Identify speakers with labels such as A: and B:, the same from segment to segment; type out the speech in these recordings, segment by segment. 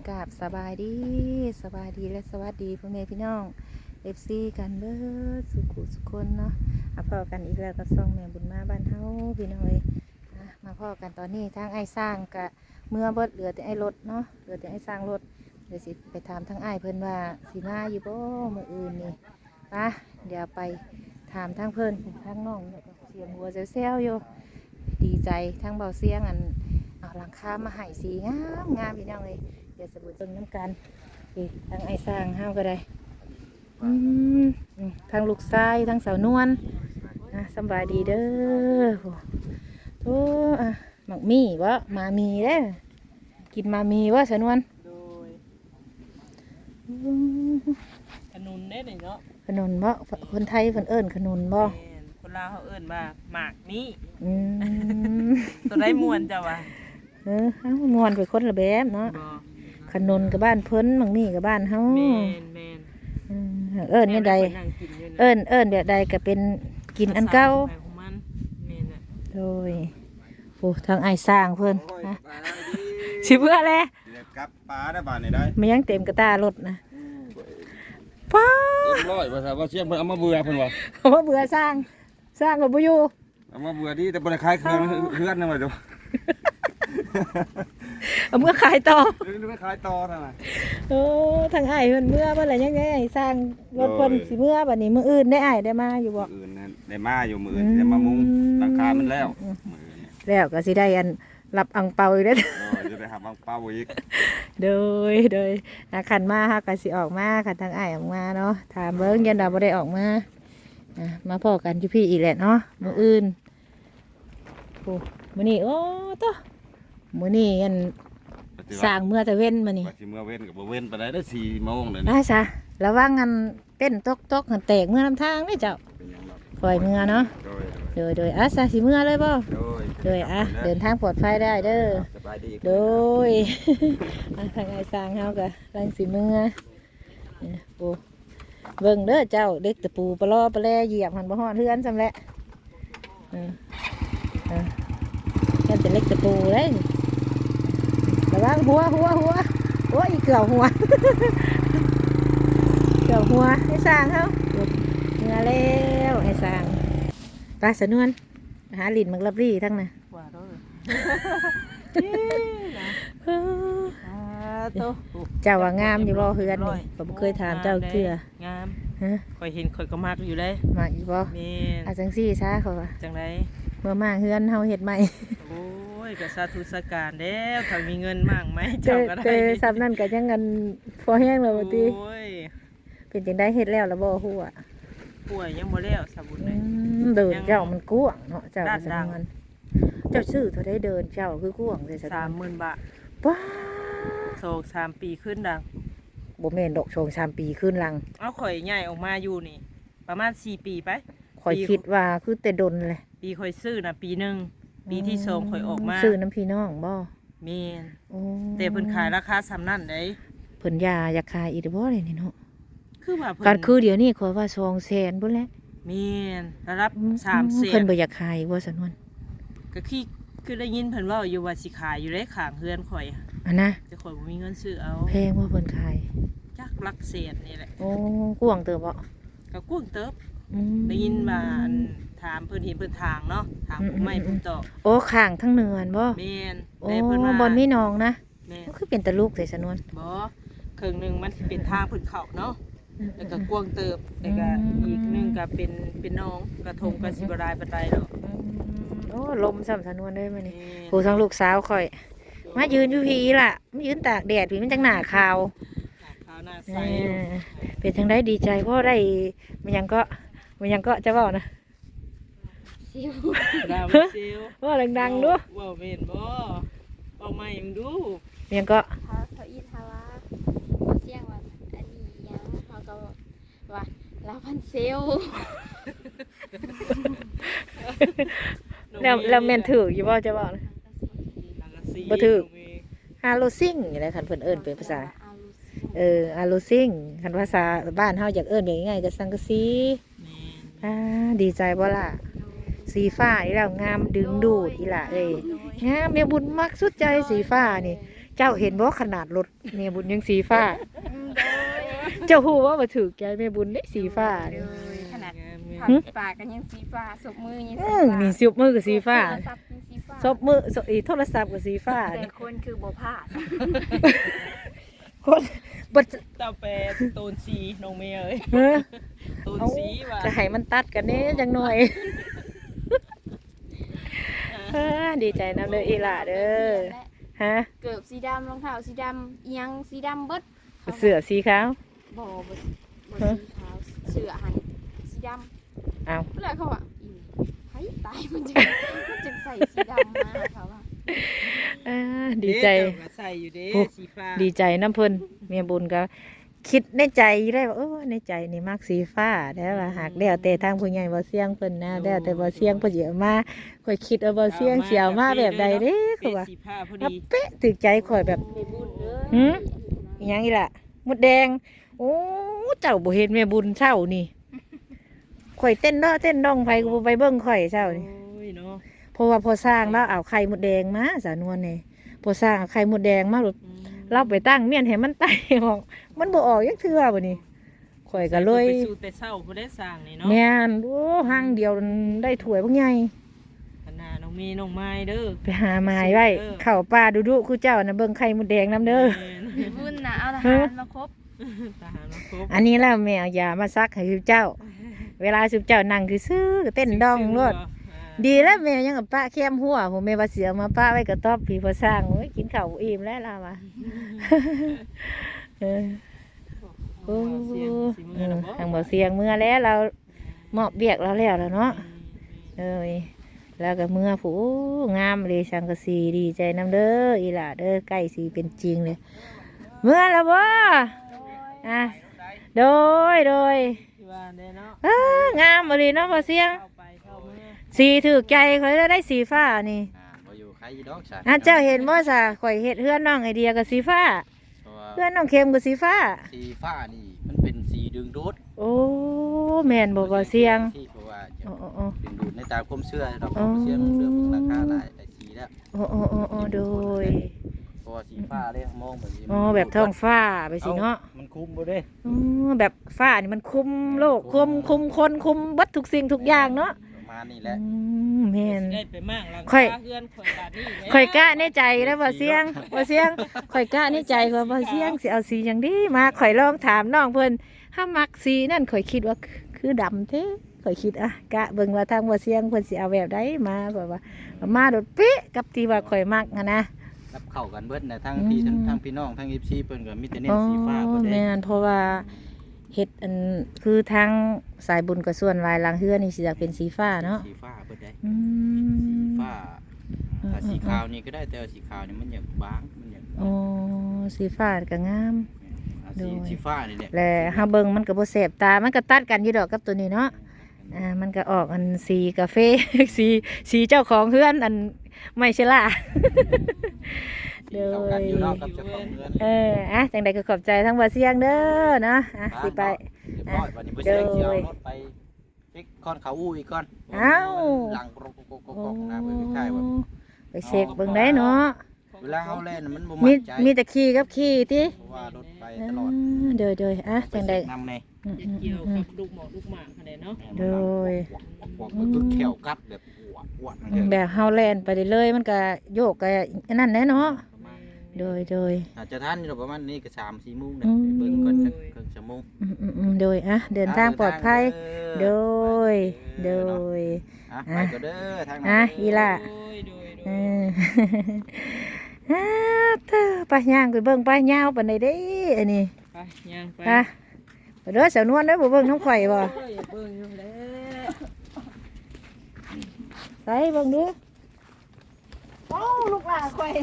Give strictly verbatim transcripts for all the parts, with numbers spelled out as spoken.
A: กราบสบายดีสบายดีและสวัสดีพ่อแม่พี่น้องเอฟซีกันเบิดสุขุสุขคนเนาะมาพ่อกันอีกแล้วกับซ่องแม่บุญมาบ้านเฮาพี่น้องเอ้ยมาพ่อกันตอนนี้ทางไอ้สร้างกะเมื่อเบิดเหลือแต่ไอ้รถเนาะเหลือแต่ไอ้สร้างรถเดี๋ยวสิไปถามทางไอ้เพิ่นว่าสิมาอยู่บ่มื้ออื่นนี่ปะเดี๋ยวไปถามทางเพิ่นทางน้องเสียงหัวเซลๆอยู่ดีใจทางเบาเสียงอันเอาหลังคามาให้สีงามงามพี่น้องเลยเดี๋ยวสบู่ต้นน้ำกันอีกทางไอ้สร้างห้าวก็ได้อืมทางลูกชายทางสาวนวลนะสบายดีเด้อโอ้อะหมักมีวะมามีเด้อกินมามีวะสาวนวล
B: โดยขนุนได้หน่อยเนาะ
A: ขนุนบ่คนไทยเพิ่นเอิ้นขนุนบ่
B: คนลาวเขาเอิ้นว่าหมากมี
A: อืม
B: ตัวได้มวนจ้ะวะ
A: เออเฮามวนไปคนละแบบเนาะขนุนกับบ้านเพิ่นหมักมีกับบ้านเฮา
B: แม่นแม่น
A: เอิ้นนี่ใดเอิ้นเอิ้นแบบใดก็เป็นกินอันเก่าโดยโอ้ทางไอ้สร้างเพิ่นนะสิเบื่อแล้ว
C: กับปลาได้บานนี่ได้
A: มันยังเต็มกระตารถนะป้า
C: เรียบร้อยว่าซะว่าเสียงเพิ่นเอามาเบื่อเพิ่นว่า
A: เอามาเบื่อสร้างสร้างก็บ่อยู่
C: เอามาเบื่อดีแต่บ่ได้ขายเครื่องเฮือนนำว่าดู
A: เอาเมื่อขายต่อ
C: หรือไม่ขายต่อนั่นน่ะ
A: โอ้ทางอ้ายเพิ่นเมื่อบ่ล่ะยังไงสร้างรถเพิ่นสิเมื่อบัดนี้มื้ออื่นได้อ้ายได้มาอยู่บ่
C: มื้ออื่นนั่นได้มาอยู่มื้ออื่นได้มามุงหลังคามันแล้วมื้ออื่น
A: แล้วก็สิได้อันรับอังเปาอีกเด้อ
C: จะได้รับอังเปาอีก
A: โดยโดยอาคันมาเฮาก็สิออกมาคันทางอ้ายออกมาเนาะถามเบิ่งยันดาบ่ได้ออกมาอ่ะมาพ้อกันอยู่พี่อีกแหละเนาะมื้ออื่นโอ้มื้อนี้โอ้ตะมื้อนี้อันสร้างเมื่อแต่เว้นมื้อนี้
C: ว่าสิเมื่อเว้นก็บ่เว้นปานใดเด้อ สี่โมงเลย
A: นะได้ซะระวังอันเต้นตกๆหันแตกเมื่อนํทางเด้อเจ้าปล่อยเมื่อเนาะโดยโดยอ่ะซะสิเมื่อเลยบ่
C: โดย
A: โดยอ่ะเดินทางปลอดภัยได้เด้อ
C: สบายดี
A: โดยทางไอ้สร้างเฮาก็ลังสิเมื่อโอ้เบิ่งเด้อเจ้าเด็กตะปูปลอปลาแลเหยียบหันบ่ฮอดเฮือนซำแหละเออเออแค่เป็นเล็กตะปูเลยระวังหัวหัวหัวโอ้ยเกี่ยวหัวเกี่ยวหัวให้สร้างเฮาเมื่อแล้วให้สร้างปลาสนวนหาลิ้นมักลับรี่ทั้งน่ะ
B: ว่าเด้
A: อเจ้าว่างามอยู่บ่เฮือนนี่ผมเคยถามเจ้าเทื่อง
B: ามฮะข่อยเห็นข่อยก็มักอยู่เลย
A: มักอยู่บ่
B: แม่น
A: อาจังซี่ซะเขาว่า
B: จังได๋
A: เมื่อมาเฮือนเฮาเฮ็ดใหม่
B: โอ้ยก็สาธุสการแล้วถ้ามีเงินมากไหมเจ้าก็ได้
A: แต่ซับนั่นก็ยังกันพอแห้งแล้วบ่ติ
B: โอ้ย
A: เป็นจังได๋เฮ็ดแล้วล่ะบ่ฮู้อ่ะ
B: ป่วยยังบ่แล้วสาบุญเลย
A: เดินเจ้ามันกว้างเนาะเจ้าสำคัญเจ้าซื้อเท่าได้เดินเจ้าคือกว้างเลย
B: สามหมื่น บาท
A: ป้า
B: สอง สามปีขึ้นดัง
A: บ่แม่นดอกชงสามปีขึ้นลัง
B: เอาข่อยใหญ่ออกมาอยู่นี่ประมาณสี่ปีไป
A: ข่อยคิดว่าคือแต่ดนเลย
B: ปีข่อยซื้อน่ะปีหนึ่งปีที่สองข่อยออกมา
A: ซื้อน้ำพี่น้องบ่
B: แม่นแต่เพิ่นขายราคาซ้ำนั่นได้
A: เพิ่นยาอยากขายอีกบ่ได้นี่เนาะ
B: คือว่าเพิ่น
A: การคือเดี๋ยวนี้ข่อยว่าสองแสนพุ่นแหละ
B: แม่นระดับสามแสน
A: เพิ่นบ่อยากขายบ่สนวน
B: ก็คือคือได้ยินเพิ่นเว้าอยู่ว่าสิขายอยู่ได้ข้างเฮือนข่อย
A: อันนะ
B: แต่ข่อยบ่มีเงินซื้อเอา
A: แพงว่าเพิ่นขาย
B: จักหลักแสนนี่แหละ
A: โอ้กว้างเติบบ่
B: ก็กว้างเติบได้ยินว่าถามเพิ่นเห็นเพิ่นทางเนาะทางผู้ใหม่ผู้ต่อ
A: โอ้ข้างทั้งเนินบ่
B: แม่น
A: แต่เพิ่นว่าบ่มีน้องนะแม่นคือเป็นตะลูกใส่สนวน
B: บ่ครึ่งนึงมันสิเป็นทางเพิ่นเข้าเนาะแล้วก็กว้างเติบแล้วก็อีกนึงก็เป็นเป็นน้องกระทงก็สิบ่ได้ปานใดดอก
A: โอ้ลมซ้ำสนวนเด้มื้อนี้ผู้ทั้งลูกสาวข่อยมายืนอยู่พี่ล่ะมายืนตากแดดพี่มันจังหน้าขาว
B: ขาวหน้าใส
A: เป็นจังได้ดีใจเพราะได้มันยังก็มันยังก็จะเว้านะ
B: ซิวดาวซิว
A: ว่าดังๆดู
B: ว่าแม่นบ่เอาใหม่มึงดู
A: มันยังก็
D: เฮาเขาอีทาว่าเสียงว่าอันนี้ยังเฮาก็ว่าลาพันเซล
A: แล้วแล้วแม่นถืออยู่บ่จะเว้านะบ่ถือฮาโลซิงนี่แหละคันเพิ่นเอิ้นเป็นภาษาเออฮาโลซิงคันภาษาบ้านเฮาอยากเอิ้นแบบง่ายๆก็สังกะสีอ่าดีใจบ่ล่ะสีฟ้าอีแล้วงามดึงดูดอีหล่ะเอ้ยงามแม่บุญมักสุดใจสีฟ้านี่เจ้าเห็นบ่ขนาดรถแม่บุญยังสีฟ้า
D: อืมโดย
A: เจ้าฮู้ว่าบ่ถูกใจแม่บุญเด้สีฟ้า
D: โด
A: นี่
D: ยขนาด
B: งาม
D: ผักปากกันยังสีฟ้าศพมือยัง
A: เอ
D: สี
A: อ
D: ฟ้า
A: นี่สิบมือก็สีฟ้า
D: โทรศัพท์ยังสีฟ้า
A: ซบมือซบอีโทรศัพท์ก็สีฟ้า
D: แต่คนคือบ่ผ้า
A: คนบ่
B: เต้าแปรโตนสีน้องเมย์เอ้ย
A: เออ
B: โตนสีว่ะ
A: จะให้มันตัดกันแน่จังหน่อยเออดีใจนำเด้ออีหล่าเด้อฮะ
D: เกือบสีดำรองเท้าสีดำเอียงสีดำเบิด
A: เสื้อสีขาว
D: บ่บ่บ่สีขาวเสื้อหันสีดำ
A: อ้าว
D: เวลาเขาว่าอีไผตายมันจะมันจะใส่สีดำมาเขาว่า
A: เออดีใจ
B: เด้เจ้าก็ใส่อยู่เด้
A: โอ้
B: สีฟ้า
A: ดีใจน้ำเพิ่นเมียบุญก็คิดในใจได้ว่าเออในใจนี่มักสีฟ้าแต่ว่าหากแล้วแต่ทางผู้ใหญ่บ่เสียงเพิ่นนะแล้วแต่บ่เสียงเพิ่นสิเอามาข่อยคิดเอาบ่เสียงสิเอามาแบบใดเด้คือว่า
B: เป็นสีผ้าพอ
A: อ่ะ
B: ดี
A: เป๊ะถึกใจข่อยแบบ
D: ในบุญเด้อ
A: หืม อีหยังอีล่ะมดแดงโอ้เจ้าบ่เห็นแม่บุญเช้านี่ข่อยเต้นเนาะเต้นดองไผก็บ่ไปเบิ่งข่อยเช้านี่
B: โอ้ยเนาะ
A: เพราะว่าพอสร้างแล้วเอาไข่มดแดงมาสานวนนี่พอสร้างเอาไข่มดแดงมาหลุด
B: อืม
A: เราไปตั้งเมียนให้มันไตออกมันบ่ออกยักเทื่อบ่นี่ข่อยก็เลย
B: ไปสู่แต่เช้าบ่ได้สร้างนี่เนาะ
A: แม่นโอ้ห้างเดียวได้ถ้วยบักใหญ่
B: ขนาดน้องเมย์น้องไม้เด้อ
A: ไปหาไม้ไว้เข้าป่าดุๆคือเจ้าน่ะเบิ่งไข่มดแดงนํเด้อ
D: ในบุญน่ะเอาทหารมาครบ
B: ทหารมาครบ
A: อันนี้แล้วแม่เอายามาซักให้เจ้า เวลาสุเจ้านั่งคือซื้อก็เต้นดองรถ ดีแล้วแม่ยังกับป้าแคมหัวผมแม่ว่าเสียมาป้าไว้กระต๊อบพี่พอสร้างโอ้ยกินข้าวอิ่มแล้วล่ะวะเออโอ้
B: เสียงสีมือนะบ่
A: ทางบ่เสียงเมื่อแล้วเรามอบเบียกเราแล้วแล้วเนาะเอ้ยแล้วก็เมื่อผู้งามเลยสังกะสีดีใจน้ำเด้ออีหล่าเด้อใกล้สีเป็นจริงเลยเมื่อแล้วบ่อ่ะโดยโดย
B: ที่ว่าได้เนาะ
A: เอ้องามบ่ดีเนาะบ่เสียง
B: เข้าไปเข้าเมื่อ
A: สีถือใจเขาจะได้สีฟ้านี่
C: อ่าบ่อยู่ใครดอกใช่
A: อ่ะเจ้าเห็นบ่ซะข่อยเฮ็ดเฮือนน้องไอเดียกับสีฟ้า
C: เพราะว่า
A: เฮือนน้องเข้มกับสีฟ้า
C: สีฟ้านี่มันเป็นสีดึงดูด
A: โอ้แม่นบ่บ่เสียง
C: ที่เพราะว่าจะ
A: โอ้โอ้โอ้
C: ดึงดูดในตามความเชื่อดอก
A: อ๋อ
C: เสียงเรื่องของราคาหลายหลายสีแล้ว
A: โอ้โอ้โอ้โอ้โดย
C: เพราะว่าสีฟ้าเลยมองแบบนี้
A: อ๋อแบบท้องฟ้าไปสิเนาะ
C: มันคุ้มบ่เด้
A: อ๋อแบบฟ้านี่มันคุมโลกคุมคุมคนคุมเบัดทุกสิ่งทุกอย่างเนาะ
C: ประมาณนี้แหละ
A: อืมแม่น
B: ได้ไปมากหลัง
A: ค่อย
B: คาเฮือนข่อยบาดนี้แล้ว
A: ข่อยกะในใจแล้วบ่เสียงบ่เสียงข่อยกะในใจว่าบ่เสียงสิเอาสีหยังดีมาข่อยลองถามน้องเพิ่นถ้ามักสีนั่นข่อยคิดว่าคือดำเท้ข่อยคิดอ่ะกะเบิ่งว่าทางบ่เสียงเพิ่นสิเอาแบบใดมาแบบว่ามาโดดเป๊ะกับที่ว่าข่อยมักอะนะ
C: รับเข้ากันเบิดนะทั้งพี่
A: อืม
C: ทั้งพี่น้องทั้ง เอฟ ซี เพิ่นก็มีแต่เน้
A: อ๋
C: น
A: อ
C: สีฟ้าเบิดเด้
A: แม่นเพราะว่าเฮ็ดอันคือทางสายบุญกับส่วนหลายหลังเฮือนี่สิอยากเป็นสีฟ้าเนาะ
C: สีฟ้าเบิดได้
A: อื
C: สี
A: ม
C: ฟ้าถ้าสีขาวนี่ก็ได้แต่ว่าสีขาวนี่มันอยากบางมันอยาก
A: อ๋อสีฟ้าก็งาม
C: อ่า
A: โด
C: สี
A: ย
C: สีฟ้านี่แหละ
A: และเฮาเบิ่งมันก็บ่แสบตา มันก็ตัดกันอยู่ดอกกับตัวนี้เนาะ อ่า มันก็ออกอันสีกาแฟ สีสีเจ้าของเฮือนอันไม่ใช่ล่ะ
C: สีเข้ากันอยู่เนาะกับเจ้าของเรือน
A: เอออ่ะจังใดก็ขอบใจทั้งบ่เสียงเด้อเนาะอ่ะสิไป
C: เรียบร้อยวันนี้บ่เสียงเสียวรถไปเช็คก้อนเขาอู้อีกก้อน
A: เอ้า
C: หลังกรกกกกกนะเพิ่นคล้ายๆว่า
A: ไปเช็คเบิ่งได้เนาะ
C: เวลาเฮาเล่นมันบ่
A: มี
C: มั่นใจ
A: มีแต่ขี่กับขี่ติ
C: เพราะว่ารถไป
A: เอ
C: ตลอด
A: อเดยเดยอ่ะจังใด
C: นำใน
A: อืม
B: จะเกี่ยวกับลูกหมอกลูกหมากคะแนนเนาะ
A: โดย
C: มันคือแขวกัดแบบอ้วนอ้วน
A: อืมแบบเฮาแล่นไปเรื่อยๆมันก็โยกก็อันนั้นแหละเนาะ
C: ประมาณ
A: โดยโดย
C: อาจจะทันอยู่ประมาณนี้ก็สามสี่โมงเนี่ย
A: อืม
C: เบิ่งก่อนจักครึ่งชั่วโมง
A: อืมอืมอืมโดยอ่ะเดินทางปลอดภัย โดย โดย
C: อ่ะไปก็เด้อทางนั้น
A: อ่ะอีล่ะ
B: โดยโดยโด
A: เอย อ อ่าเธอไปย่างไปเบิ่งไปยาวปานใดเด้อันนี้
B: ไปย่างไป
A: อ่ะไปเด้อสาวนวลเด้อบ่เบิ่งน้องข่อยบ่
B: โอ้ยเบิ่งอยู่แล้ว
A: ใส่เบิ่งดูโอ้ลูกหลานข่อย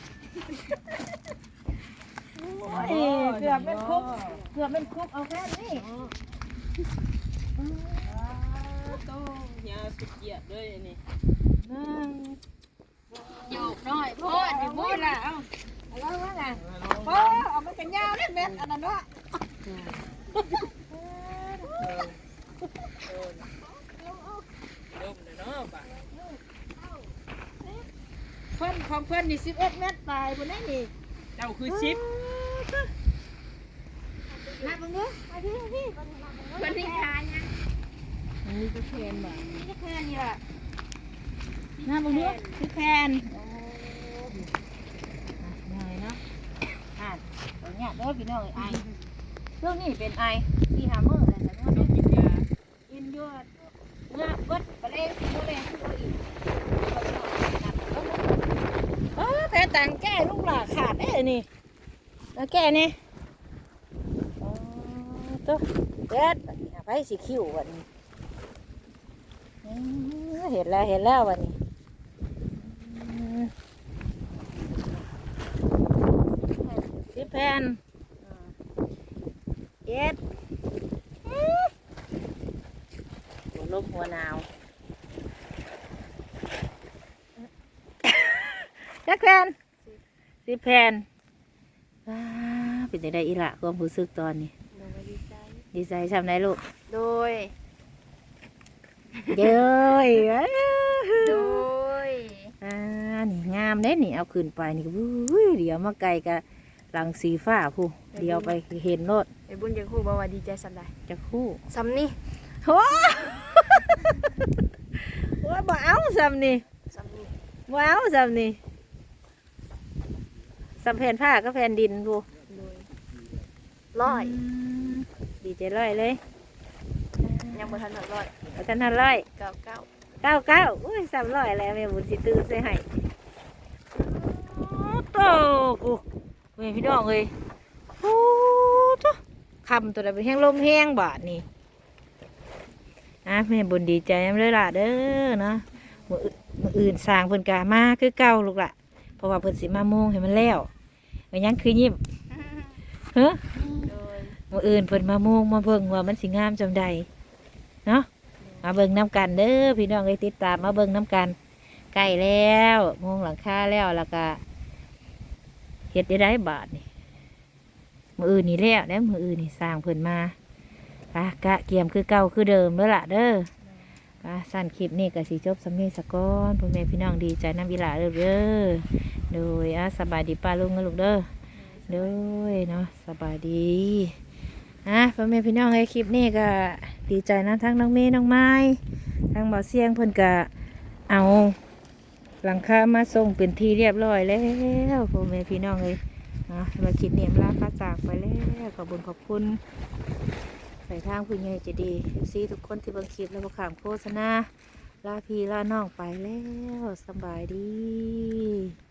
A: โอ้ยเกือบเป็นคุกเกือบเป็นคุกเอาแค่นี้
B: โตยาวสุดเหยียดเลยอันนี้
D: โยกน้อยโพดในบุญน่ะเอา
A: แล้วว่าไงโอ้เอามันกันยาวนิดเม็ดอันนั้นเนาะ
B: ลมเลยเนาะบ่ะ
A: เพิ่นของเพิ่นนี่สิบเอ็ดเม็ดตายบนนี้นี่
B: เจ้าคือชิป
A: มาเบิ่งดูมาพี่มาพี่เบิ่งมาเบิ่งดู
D: คนที่ทานนะ
B: อันนี้ก็แคนบ่
A: นี่จะแค่นี้ล่ะมาเบิ่งดูคือแคนโอ้ยายเนาะอ่านตอนเนี้ยเด้อพี่น้องไอช่วงนี้เป็นไอที่หามื้ออะไรแต่ว่า
B: ต้องกินยา
A: กินยวดเมื่อเบิดกระเลงกระเลงคือเอาอีกเออแต่ต่างแก้ลูกหลาขาดได้นี่แล้วแก้นี่อ๋อตัวเด็ดไปสีคิ้ววันนี้อืมเห็นแล้วเห็นแล้ววันนี้อืมสิบแผ่นอ่าเจ็ดอืมหัวลมหัวหนาวจักแผ่นสิบแผ่นว้าเป็นจังไดอีหละความรู้สึกตอนนี้
D: โดยดีใจ
A: ดีใจทำได้ลูก
D: โดย
A: เย้ย
D: โดย
A: อ่านี่งามเด้นี่เอาขึ้นไปนี่ก็วุ้ยเดี๋ยวมาไกลกับหลังสีฟ้าผู้เดี๋ยวไปเห็นโลด
D: ไอ้บุญยังคู่บ่ว่าดีใจสำใด
A: จะคู่
D: ซ้ำนี่
A: โอ้ว่าบ่เอาซ้ำนี่
D: ซ้ำนี่
A: บ่เอาซ้ำนี่ซ้ำแผ่นผ้าก็แผ่นดินผู้
D: โดยร้อย
A: มดีใจร้อยเลย
D: ยังบ่ทันหนึ่งร้อย
A: อาจารย์ทันร้อย
D: เก้าเก้า
A: เก้าเก้าอุ้ยสามร้อยแล้วแม่บุญสิตื่นใส่ให้โอ้โตกูเว้ยพี่น้องเอ้ยโอ้จ้ะคำตัวใดเป็นแห้งลมแห้งบาดนี่อ่ะแม่บุญดีใจนำเลยล่ะเด้อเนาะมืออื่นมืออื่นสร้างเพิ่นกามาคือเก่าลูกล่ะเพราะว่าเพิ่นสิมาโมงให้มันแล้วเอายังคือยิ้มเฮ้อ
D: โดย
A: มืออื่นเพิ่นมาโมงมาเบิ่งว่ามันสิงามจำใดเนาะ มาเบิ่งน้ำกันเด้อพี่น้องเลยติดตามมาเบิ่งน้ำกันใกล้แล้วมุงหลังคาแล้วแล้วก็เฮ็ดได้ได้บาทนี่มืออื่นนี่แล้วแล้วมืออื่นนี่สร้างเพิ่นมาปะกะเกียมคือเก่าคือเดิมเด้อล่ะเด้อปะสั้นคลิปนี้ก็สิจบสำเนียงสะก้อนพ่อแม่พี่น้องดีใจน้ำอีหลาเด้อเด้อโดยอ่ะสบายดีป้าลุงนะลูกเด้อโดยเนาะสบายดีอ่ะพ่อแม่พี่น้องไอ้คลิปนี้ก็ดีใจนะทั้งน้องเมย์น้องไม้ทั้งบ่อเสียงเพิ่นก็เอาหลังคามาส่งเป็นที่เรียบร้อยแล้วพ่อแม่พี่น้องเลยนะมาคลิปนี้ลาพาจากไปแล้วขอบคุณขอบคุณใส่ทางผู้ใหญ่ใจะดีซีทุกคนที่เบังคลิปแล้วก็ขามโฆษณาลาพี่ลาน้องไปแล้วสบายดี